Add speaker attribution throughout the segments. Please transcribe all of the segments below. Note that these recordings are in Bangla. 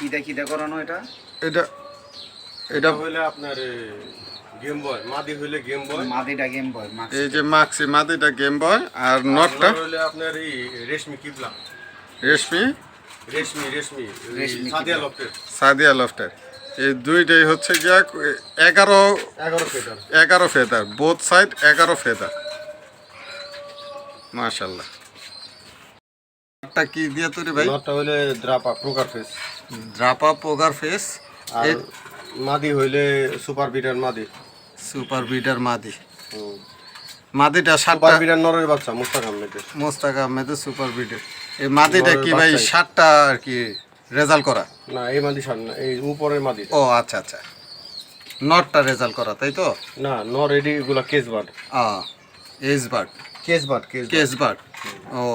Speaker 1: কিটা কিটা করানো এটা?
Speaker 2: এটা এটা
Speaker 3: হইলে আপনার গেম বয়, মাদি হইলে গেম বয়,
Speaker 1: মাদিটা গেম বয়।
Speaker 2: এই যে মাক্সি মাদিটা গেম বয় আর নটটা
Speaker 3: হইলে আপনার এই রেশমি কিবলা,
Speaker 2: রেশমি
Speaker 3: রেশমি রেশমি
Speaker 1: রেশমি
Speaker 3: সাদিয়া
Speaker 1: কিবলা।
Speaker 3: লফটের
Speaker 2: সাদিয়া লফটার। এই দুইটাই হচ্ছে গিয়া 11
Speaker 3: 11 feather.
Speaker 2: 11 feather, both side 11 feather. মাশাআল্লাহ। এটা কি দিয়ে তৈরি ভাই?
Speaker 3: নটটা হইলে দ্রাপা প্রকার ফেস,
Speaker 2: ড্রাপা পোগার ফেস।
Speaker 3: আর মাদি হইলে সুপার বিটার মাদি।
Speaker 2: সুপার বিডার মাদি। মাদিটা
Speaker 3: সুপার
Speaker 2: 7টা
Speaker 3: বিটার নরের বাচ্চা মুস্তাক আহমেদের।
Speaker 2: মোস্তাক আহমেদের সুপার বিডার। এই মাদিটা কি ভাই
Speaker 3: বাচ্চাই।
Speaker 2: 7টা আর কি রেজাল্ট করা?
Speaker 3: না এই মাদি সার না, এই উপরের মাদি।
Speaker 2: ও আচ্ছা আচ্ছা, নটটা রেজাল্ট করা তাই তো?
Speaker 3: না নর এডি এগুলা কেস বার্ড,
Speaker 2: এজ bird,
Speaker 3: cage bird,
Speaker 2: cage bird. ও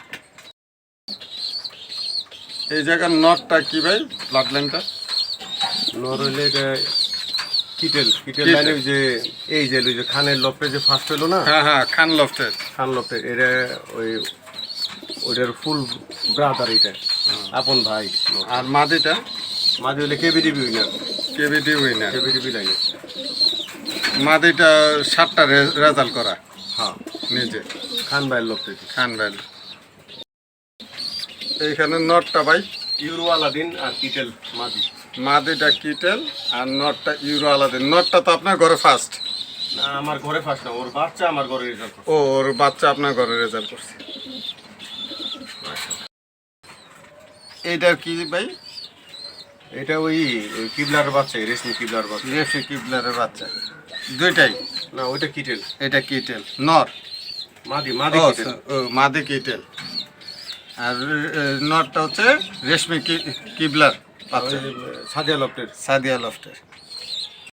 Speaker 2: এই জায়গার নটটা কি ভাই, ব্লাড লাইনটা?
Speaker 3: নর হইলে এটা কিটেল, কিটেল
Speaker 2: কিটেল।
Speaker 3: লাইনে যে এই যে ওই যে খানের লফটে যে ফার্স্ট হলো না,
Speaker 2: হ্যাঁ হ্যাঁ, খান লফটের।
Speaker 3: খান লফটে এটা ওই ওইটার ফুল ব্রাদার, এটা আপন ভাই।
Speaker 2: আর মাদিটা
Speaker 3: মাদি হইলে কেবিডিবি উইনার,
Speaker 2: কেবিডি উইনার।
Speaker 3: কেবিডিবি লাগে।
Speaker 2: মাদিটা 7টা রেজাল্ট করা
Speaker 3: হ্যাঁ
Speaker 2: নিজে,
Speaker 3: খান ভাইয়ের লফটে।
Speaker 2: খান ভ্যালি। এইখানে নটটা ভাই,
Speaker 3: ইউরো আলাদিন আর কিটেল মাদি।
Speaker 2: মাদিটা কিটেল আর নটটা ইউরো আলাদিন। নটটা তো আপনার ঘরে ফার্স্ট?
Speaker 3: না আমার ঘরে ফার্স্ট না, ওর বাচ্চা আমার ঘরে রেজাল্ট করছে।
Speaker 2: ও ওর বাচ্চা আপনার ঘরে রেজাল্ট করছে। এইটার কি ভাই?
Speaker 3: এটা ওই ওই কিবলার বাচ্চা, রেশমি কিবলার বাচ্চা।
Speaker 2: রেফি কিবলারের বাচ্চা দুইটাই?
Speaker 3: না ওইটা কিটেল,
Speaker 2: এটা কিটেল নর।
Speaker 3: মাদি মাদি
Speaker 2: ও
Speaker 3: কিটেল।
Speaker 2: মাদি কিটেল। আর নটটা হচ্ছে রেশমি কিবলার বাচ্চা,
Speaker 3: সাদিয়া লফটের।
Speaker 2: সাদিয়া লফটের।